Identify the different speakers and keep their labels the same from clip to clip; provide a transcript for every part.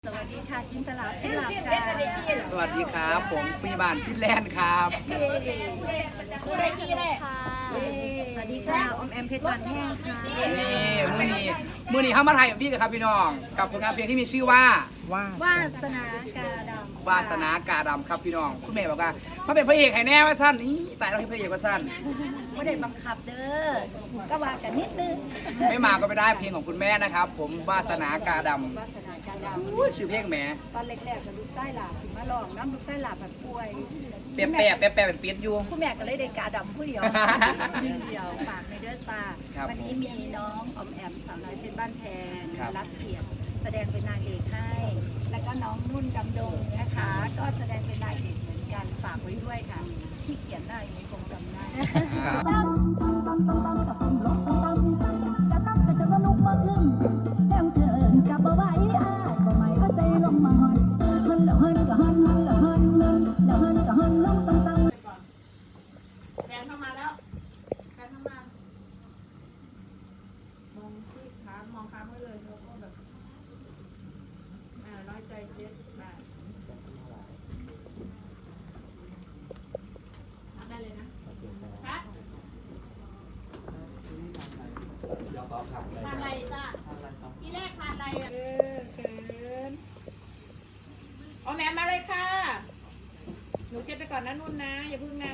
Speaker 1: สวัสดีค่ะจินตลาชิลาค่ะ
Speaker 2: สวัสดีครับผมพยาบาลฟินแลนด์ครับ
Speaker 1: ผู้ใดที่ได้ค่ะสวัสดีค่ะอมแอมเพชรบานแห้งค่ะ
Speaker 2: นี่มื้อนี้เข้ามาถ่ายกับพี่กับครับพี่น้องกับผลงานเพลงที่มีชื่อว่าว
Speaker 1: าสนากาดำ
Speaker 2: วาสนากาดำครับพี่น้องคุณแม่บอกว่ามาเป็นพระเอกให้แน่ว่าสั้นนี่ตายเราให้พระเอกว่าสั้น
Speaker 1: ไม่ได้บังคับเด้อก็ว่ากันนิดนึง
Speaker 2: ไม่มาก็ไม่ได้เพลงของคุณแม่นะครับ ผมวาสนากาด
Speaker 1: วาสนากาด
Speaker 2: ำอุ้ยชื่อเพลงแหม
Speaker 1: ำตอนแรกๆกับลูกไส้หลาบสิมาลองน้ำลูกไส้หลาบแบบป่วย
Speaker 2: แปะเป็นเปียดอยู่
Speaker 1: ผู้แม่ก็เลยได้กาดำผู้เดียวยิ่งเดียวฝากในเด้อตา
Speaker 2: ครับ
Speaker 1: วันนี้มีน้องอมแอมสาวน้อยเพชรบ้านแพง
Speaker 2: ครับ
Speaker 1: รับเกียรติแสดงเป็นนางเอกให้ แล้วก็น้องนุ่นดำดงนะคะ ก็แสดงเป็นนางเอกเหมือนกันฝากไว้ด้วยค่ะ ที่เขียนได้ยังคงจำได้
Speaker 3: แฟนเข้ามาแล้วแฟนเข้ามามองที่ขามองค้างไว้เลยแล้วก็แบบน้อยใจเซ็ตแบบทำได้เลยนะครับทำอะไรจ้ะที่แรกทานอะไรอ่ะเขินเอาแม่มาเลยค่ะหนูเช็ดไปก่อนนะนุ่นนะอย่าพึ่งนะ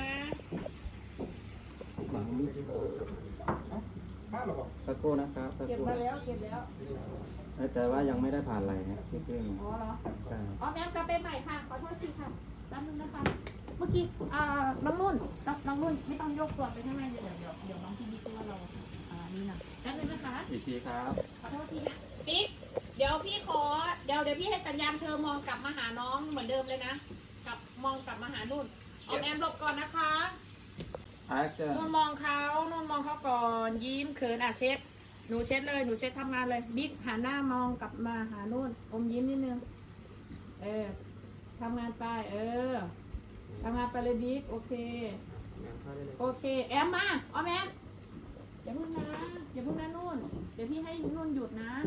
Speaker 4: สักครู่นะครับสัก
Speaker 3: เก็บ
Speaker 4: ครู่
Speaker 3: มาแล้วเก็บแล้ว
Speaker 4: แต่ว่ายังไม่ได้ผ่านอะไรนะที่เครื่อง
Speaker 3: อ๋อเหรอ
Speaker 4: ใช่
Speaker 3: อ๋อแม่กลับไปใหม่ค่ะ ขอโทษทีค่ะแป๊บนึงนะคะ เมื่อกี้น้องนุ่นไม่ต้องยกตัวไปข้างในเดี๋ยวน้องพี่บิ๊กว่าเรานี่นะแป๊บนึงนะคะ
Speaker 4: อีกทีครับ
Speaker 3: ขอโทษทีนะบิ๊กเดี๋ยวพี่ขอเดี๋ยวพี่ให้สัญญาณเธอมองกลับมาหาน้องเหมือนเดิมเลยนะมองกลับมาหานุ่นเอาแอมหลบก่อนนะคะ
Speaker 4: action
Speaker 3: นุ่นมองเขาก่อนยิ้มเขินเช็ดหนูเช็ดเลยหนูเช็ดทำงานเลยบิ๊กหันหน้ามองกลับมาหานุ่นอมยิ้มนิดนึงทำงานไปทำงานไปเลยบิ๊กโอเคแอมมาอ๋อแอมอย่าพึ่งนะนุ่นเดี๋ยวพี่ให้นุ่นหยุดนะ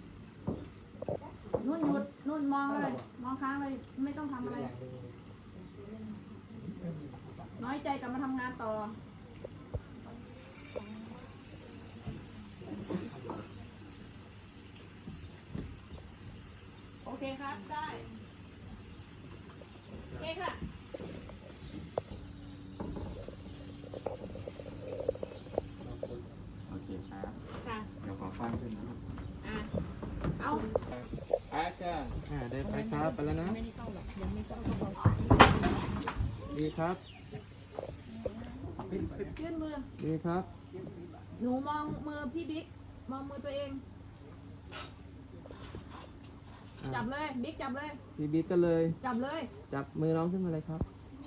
Speaker 3: นุ่นหยุดนุ่นมองเลยมองค้างเลยไม่ต้องทำอะไรน้อยใจกลับมาทำงานต่อโอเคครับได้โอเคค่ะ
Speaker 4: โอเคครับ
Speaker 3: ค่ะ
Speaker 4: เดี๋ยวขอฟังขึ้นนะครับ
Speaker 3: เอา
Speaker 4: action ได้ไปครับไปแล้วนะ
Speaker 3: ไม่ได้เข้าหรอกยังไม่เข้าก็พอ
Speaker 4: ดีครับ
Speaker 3: ยื่นมือ
Speaker 4: ดีครับ
Speaker 3: หนูมองมือพี่บิ๊กมองมือตัวเองจับเลยบิ๊กจับเลย
Speaker 4: พี่บิ๊กก็เลย
Speaker 3: จับเลย
Speaker 4: จับมือน้องขึ้นมาเลยครับ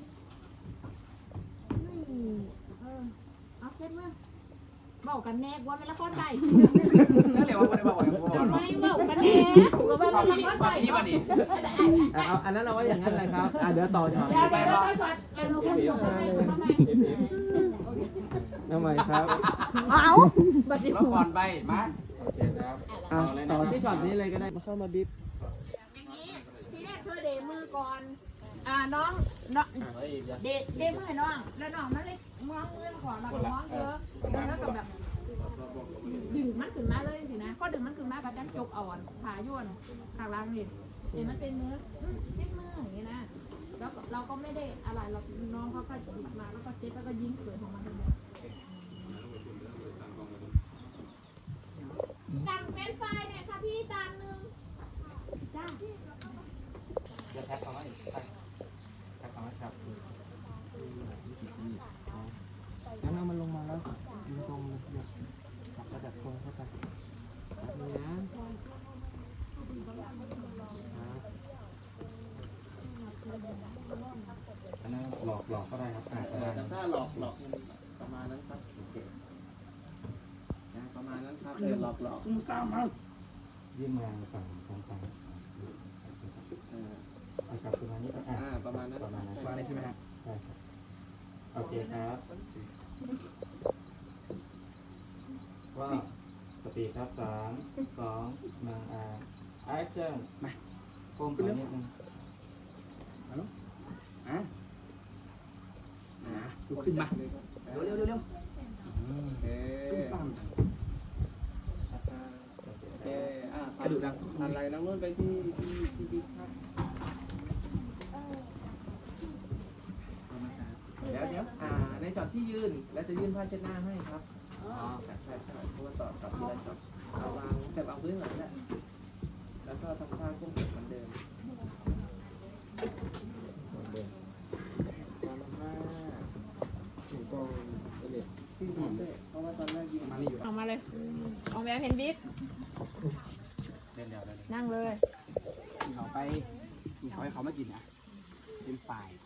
Speaker 3: เอาเช็ดมือบอกกันแน่ว่าไม่ละครใจ
Speaker 2: เชื่อเลยว่าไม่ได้บอกอย่างผม
Speaker 3: ทำไมบอกกันแน่ว่าไม่ละครใจ
Speaker 2: ที่วันนี้
Speaker 4: เอาอันนั้นเราว่าอย่างนั้นเลยครับเดี๋ยวต่อช็อต
Speaker 3: เดี๋ยวช็อตเดี๋ยวเราคนส่งทำไม
Speaker 4: ทำไมครับ
Speaker 3: เอาบัดนี้
Speaker 2: ละครไปมา
Speaker 4: โอเคครับต่อที่ช็อตนี้เลยก็ได้มาเข้ามาบิ๊บ
Speaker 3: อย่างนี้ที่แรกคือเดมือก่อนน้องเดมือให้น้องแล้วน้องมันเลยมองเรื่องของเรามองเยอะแล้วกับแบบดึงมันขึ้นมาเลยสินะพอดึงมันขึ้นมากับจันจกอ่อนขาย่วนขาล่างนี่เห็นมันเป็นมือเช็ดมืออย่างนี้นะแล้วเราก็ไม่ได้อะไรเราน้องเขาก็มาแล้วก็เช็ดแล้วก็ยิ้มเขินของมันทั้งหมดสั่งเป็นไฟเนี่ยค่ะพี่จานนึงจ้า
Speaker 4: จะแท็กเอาไว้แท็กเอาไว้ครับงั้นเอามันลงมาแล้วยืนตรงเลยจับกระดับตรงเข้าไปนี่นะอันนั้นหลอกก็ได้ครับถ้าหลอกประมาณนั้นครับประมาณนั้นครับหลอกซุ่มซ่ามมากยิ่งมาฝั่งจับตัวนี้ก็ประมาณนั้นใช่ไหมครับใช่ครับโอเคครับว่าสปีดครับ3 2 1แอคชั่นมาโค้งขึ้นนิดนึงฮัลโหล
Speaker 2: ลุกขึ้นมาเร็วซุ่มซ่ามจังกระดูกดัง
Speaker 5: อะไรน้องนุ่นไปที่บิ๊กครับ เดี๋ยวในช็อตที่ยืนแล้วจะยื่นผ้าเช็ดหน้าให้ครับใช่เพราะว่าต่อทีละช็อตเอาวางแต่วางพื้นหลังแหละแล้วก็ทำท่าเครื่องเหมือนเดิมเพราะว่าตอนแรกยิง
Speaker 2: มานี่อยู่
Speaker 3: ออกมาเลยออกแบบเห็นบิ๊ก
Speaker 2: เล่นเดี๋ยวเลย
Speaker 3: นั่งเลย
Speaker 2: กินเขาไปกินเขาให้เขามากินนะเป็นฝ่าย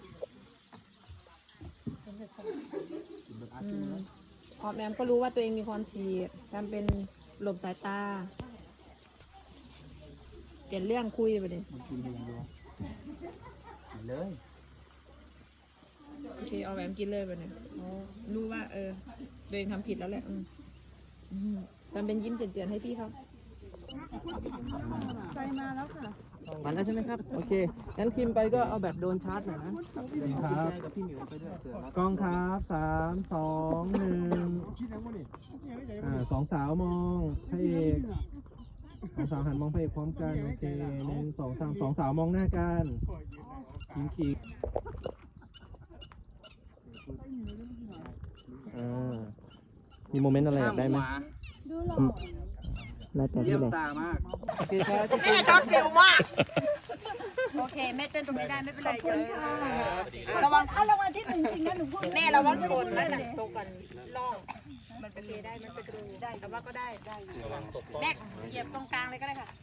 Speaker 2: กินแบบอาชีพเลย
Speaker 3: ออกแบบก็รู้ว่าตัวเองมีความผิดทำเป็นหลบสายตา เปลี่ยนเรื่องคุยไปเลย
Speaker 2: มันกินเองดูเลย
Speaker 3: โอเคออกแบบกินเลยไปเลยรู้ว่าตัวเองทำผิดแล้วแหละทำเป็นยิ้มเจือนๆให้พี่เขาใจมาแล้วค่ะ
Speaker 4: มาแล้วใช่ไหมครับ โอเค งั้นคิมไปก็เอาแบบโดนชาร์จหน่อยนะกับพี่หมิวไปด้วยกล้องครับ3 2 1 2 สาวมองพระเอก2 สาวหันมองพระเอกพร้อมกันโอเค1 2 3 2 สาวมองหน้ากันขิงมีโมเมนต์อะไรอยากได้ไหมแล้วแต่
Speaker 2: เยี่
Speaker 4: ที่
Speaker 2: ยม
Speaker 4: เลย
Speaker 2: ตามาก
Speaker 4: โอเคครับ
Speaker 3: แม่ชอบฟิลมาก
Speaker 1: โอเคแม่เต้นตรงนี้ได้ไม่เป็นไรขอบคุณค่ะ
Speaker 3: ระวัง
Speaker 1: เอารางวัลที่หนึ่งจริงนะหนูพูด
Speaker 3: แม่ระวังโดนแล้วนะตกกันล่องมันเป็นได้ มันเป็นกระดูได้ แต่ว่าก็ได้แม่เหยียบตรงกลางเลยก็ได้ค่ะ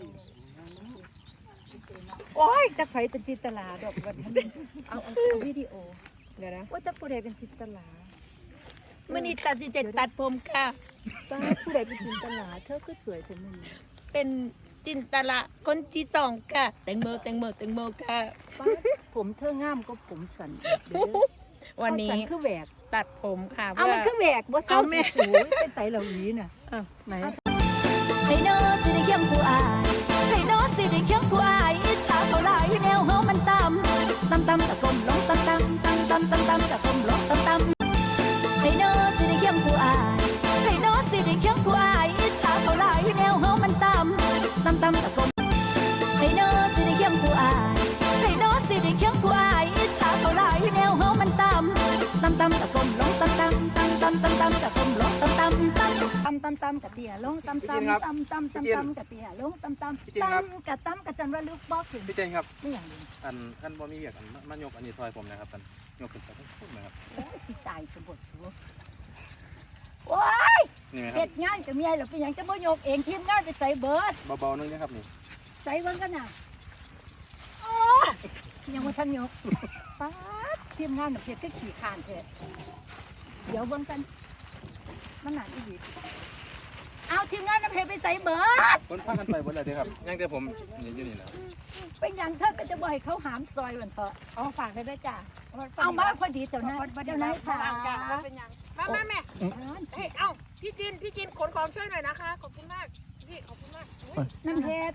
Speaker 1: โอ้ยจักไผเป็นจินตลาดอกวันนี้เอาวิดีโอ
Speaker 3: เดี๋ยวนะ
Speaker 1: ว่าจักผู้ใดเป็นจินตลา
Speaker 3: มื่อนี้ตัดสินใจตัดผมค่ะ
Speaker 1: ป้าผู้ใดเป็นจินตลาเธอคือสวยจังมึง
Speaker 3: เป็นจินตละคนที่สองค่ะ แตงโมค่ะ
Speaker 1: ป้าผมเธองามก็ผมสันเด้อ
Speaker 3: วันนี้
Speaker 1: สันคือแหวก
Speaker 3: ตัดผมค่ะ
Speaker 1: เอามันคือแหวกบ่เศร้าสูไปใส่เหล่านี้น่ะไหนให้โน้สิได้เคียงผู้อายให้โน้สิได้เคียงผู้อายอิจฉาเขาหลายแนวเฮามันต่ำตะกลมลงตำตะกลมลงตำให้โน้สิได้เคียงผู้อายให้โน้สิได้เคียงผู้อายอิจฉาเขาหลายแนวเฮามันต่ำตะกลมให้โน้สิได้เคียงผู้อายให้โน้สิได้เคียงผู้อายอิจฉาเขาหลายแนวเฮามันต่ำตะกลมลงตะกลมลงตำกะเตียลงตำกะเตียลงตำกะจันว่าลูกบอกถึง
Speaker 6: พี่เจนครับ
Speaker 1: ไม่อย่างนี้
Speaker 6: ท่านบ่มีเวียกมายกอันนี้ซอยผมนะครับท่านยกขึ้นไปทั้งพุ่มนะครับ
Speaker 1: โอ้ยสิตายสมบูรณ์สูโอ้ย
Speaker 6: นี่ไหมค
Speaker 1: เฮ็
Speaker 6: รับ
Speaker 1: ดงานกับเมียหรอเป็นอย่างจะบ่ยกเองทีมงานไปใส่เบิร์ด
Speaker 6: เบาๆนึงนะครับนี่
Speaker 1: ใส่เบิ่งกันน่ะโอ้ยยังบ่ทันยกป๊าดทีมงานน่ะเฮ็ดก็ขี้ข้านแท้เดี๋ยวเบิ่งกันมันหนักอีหลีเอาทีมงานน่ะเฮ็ดไปใส่เบิร์ด
Speaker 6: คนพากันไปหมดเลยเด้อครับยังแต่ผมนี่อยู่นี่นะ
Speaker 1: เป็นอย่างเธอก็จะบ่ให้เขาหามซอยวันเถอะ
Speaker 3: เอาฝากไปด้วยจ้ะ
Speaker 1: เอามาพอดีเจ้านายค่ะ
Speaker 3: เป็นยังมาแม่เฮ้ย เอ้า พี่จินขนของช่วยหน่อยนะคะ ขอบคุณมาก พี่ ขอบคุณมาก
Speaker 1: น้ำเฮ็ด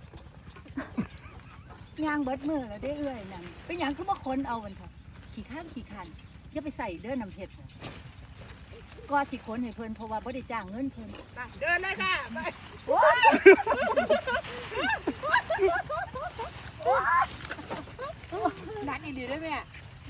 Speaker 1: ยางเบิดมือแล้วได้เอื้อยนั่นเป็นอย่างคือบ่คนเอาวันเถอะขี้ข้านอย่าไปใส่เด้อน้ำเฮ็ดน่ะก็สิคนให้เพิ่นเพราะว่าบ่ได้จ้างเงินเพิ่น
Speaker 3: เดินเลยค่ะไป
Speaker 1: โอ้ย
Speaker 3: นัดอีหลีด้วยแม่